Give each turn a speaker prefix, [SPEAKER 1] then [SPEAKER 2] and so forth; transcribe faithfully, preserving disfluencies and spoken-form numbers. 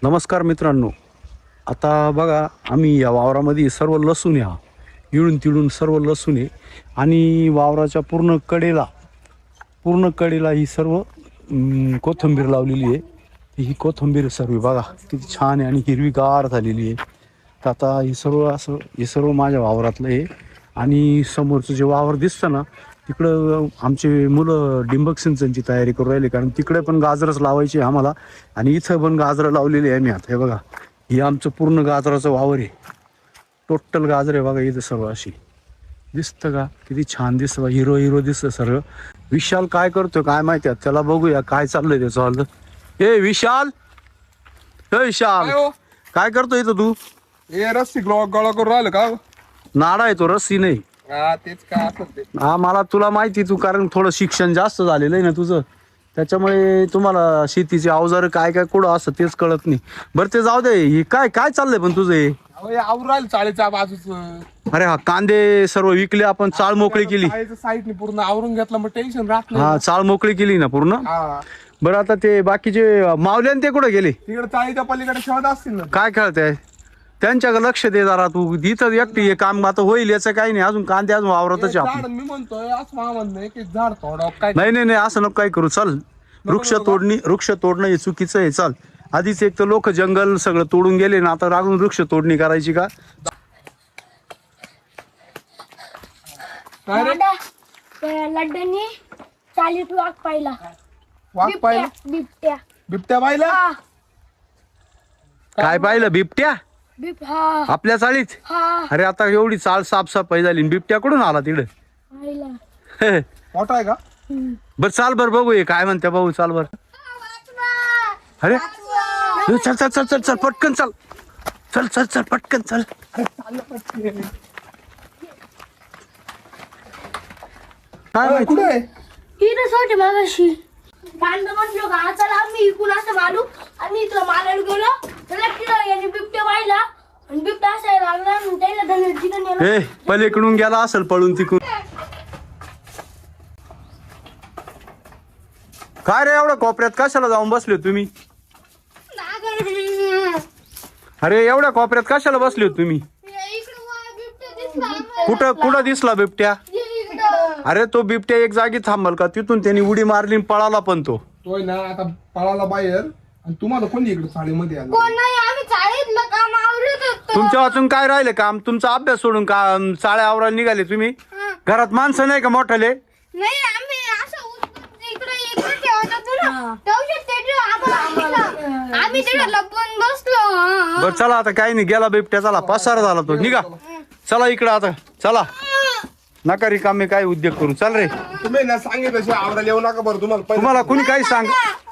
[SPEAKER 1] नमस्कार मित्रांनो, आता बघा आम्ही या वावरामध्ये सर्व लसूण या इळून तिळून सर्व लसूण आहे आणि वावराच्या पूर्ण कडेला पूर्ण कडेला ही सर्व अं, कोथिंबीर लावलेली आहे. ही कोथिंबीर सर्व बघा किती छान आहे आणि हिरवीगार झालेली आहे. तर आता हे सर्व असं हे सर्व माझ्या वावरातलं आहे आणि समोरचं जे वावर दिसतं ना तिकडं आमचे मुलं डिंबक सिंचनची तयारी करू राहिली, कारण तिकडे पण गाजरच लावायची आहे आम्हाला आणि इथं पण गाजरं लावलेली आहे. मी आता हे बघा हे आमचं पूर्ण गाजराचं वावर आहे. टोटल गाजर आहे बघा इथं सर्व. अशी दिसतं का किती छान दिसतं बा, हिरो हिरो दिसतं सर्व. विशाल काय करतोय काय माहिती आहे, त्याला बघूया काय चाललंय त्याचं हल्लं. ए विशाल, ए विशाल
[SPEAKER 2] काय हो?
[SPEAKER 1] काय करतोय इथं तू?
[SPEAKER 2] हे रस्सी गोळा गोळा करून राहिलं का?
[SPEAKER 1] नाडा आहे तो, रस्सी नाही.
[SPEAKER 2] हा तेच काय असत ते.
[SPEAKER 1] हा मला तुला माहिती, तू कारण थोडं शिक्षण जास्त झालेलं आहे ना तुझं, त्याच्यामुळे तुम्हाला शेतीचे अवजार काय काय कुठं असं तेच कळत नाही. बरं ते जाऊ दे, हे काय काय चाललंय पण तुझं हे?
[SPEAKER 2] अहो, हे आवरून राहिलं चाळीच्या बाजूच.
[SPEAKER 1] अरे हा कांदे सर्व विकले आपण, चाळ मोकळी केली.
[SPEAKER 2] चाळीच्या साईडने पूर्ण आवरून घेतलं, मग टेन्शन राहत नाही.
[SPEAKER 1] हा चाळ मोकळी केली ना पूर्ण.
[SPEAKER 2] हा
[SPEAKER 1] बरं आता ते बाकीचे मावले ते कुठे गेले?
[SPEAKER 2] तिकडे चाळीच्या पलीकडे शोध असतील ना.
[SPEAKER 1] काय खेळताय? त्यांच्याकडे लक्ष दे जरा तू. इथं एकटी हे काम आता होईल याचं काही नाही, अजून कांदे अजून वावरतच
[SPEAKER 2] हे
[SPEAKER 1] आहे
[SPEAKER 2] झाड
[SPEAKER 1] आपण.
[SPEAKER 2] मी म्हणतोय असं मला म्हणणं आहे की झाड थोडं काय
[SPEAKER 1] नाही नाही नाही असं नको काय करू. चल, वृक्ष तोडणी वृक्ष तोडणं हे चुकीचं आहे. चाल, आधीच एक तर लोक जंगल सगळं तोडून गेले ना, आता रागून वृक्ष तोडणी करायची का?
[SPEAKER 2] काय रे?
[SPEAKER 3] दादा, त्या लड्डूनी चालीत वाघ पाहिला.
[SPEAKER 2] वाघ पाहिलं?
[SPEAKER 3] बिबट्या
[SPEAKER 2] बिबट्या पाहिलं?
[SPEAKER 3] हा
[SPEAKER 1] काय पाहिलं? बिबट्या
[SPEAKER 3] बिब हा
[SPEAKER 1] आपल्या चाळीत?
[SPEAKER 3] हा
[SPEAKER 1] अरे आता एवढी चाळ साफसफाई झाली आणि बिबट्या कुठून आला तिकडे?
[SPEAKER 3] पाहिला.
[SPEAKER 2] मोठा आहे का?
[SPEAKER 1] बर चाल बर बघू हे काय म्हणते भाऊ. चाल बर. अरे ए, चल चल चल चल चल पटकन चल चल चल चल पटकन चल. काय
[SPEAKER 2] अरे,
[SPEAKER 1] माहिती?
[SPEAKER 2] कुठे आहे?
[SPEAKER 3] इथं सोटे मागाशी कांदा म्हटलो का चला आम्ही इकून असं मारू आणि इथं मारायला गेलो त्याला तिथं याने बिबट्या पाहिला आणि बिबट्या असायला लागला आणि त्याला धनुष्य तिथं नेलं.
[SPEAKER 1] ए पलीकडून गेला असेल पळून तिकडून. काय रे एवढ्या कोपऱ्यात कशाला जाऊन बसले तुम्ही? अरे एवढ्या कोपऱ्यात कशाला बसले तुम्ही? कुठं कुठं दिसला बिबट्या? अरे तो बिबट्या एक जागी थांबल का? तिथून त्यांनी उडी मारली आणि पळाला पण तो.
[SPEAKER 2] तोय ना आता पळाला बाहेर. आणि तुम्हाला कोणी इकडे साडीमध्ये आलं?
[SPEAKER 3] कोण नाही, आम्ही चाळीतलं काम आवरत होतो.
[SPEAKER 1] तुमच्या वाचून काय राहिले काम? तुमचा अभ्यास सोडून का चाळ्या आवरायला निघाले तुम्ही? घरात माणसं नाही का मोठाले?
[SPEAKER 3] नाही आम्ही असं उचलून इकडे इकडे ठेवत होतो ना तेवढे ते आम्हाला आम्ही तिकडे लपून बसलो.
[SPEAKER 1] बर चला आता काही नाही, गेला बिबट्या. चला पसार झाला तो. निघा चला इकडं आता. चला नका रिकामे काय उद्योग करू. चल रे.
[SPEAKER 2] तुम्ही ना सांगितलं आवरायला येऊ नका बरं. तुम्हाला
[SPEAKER 1] तुम्हाला कुणी काही सांग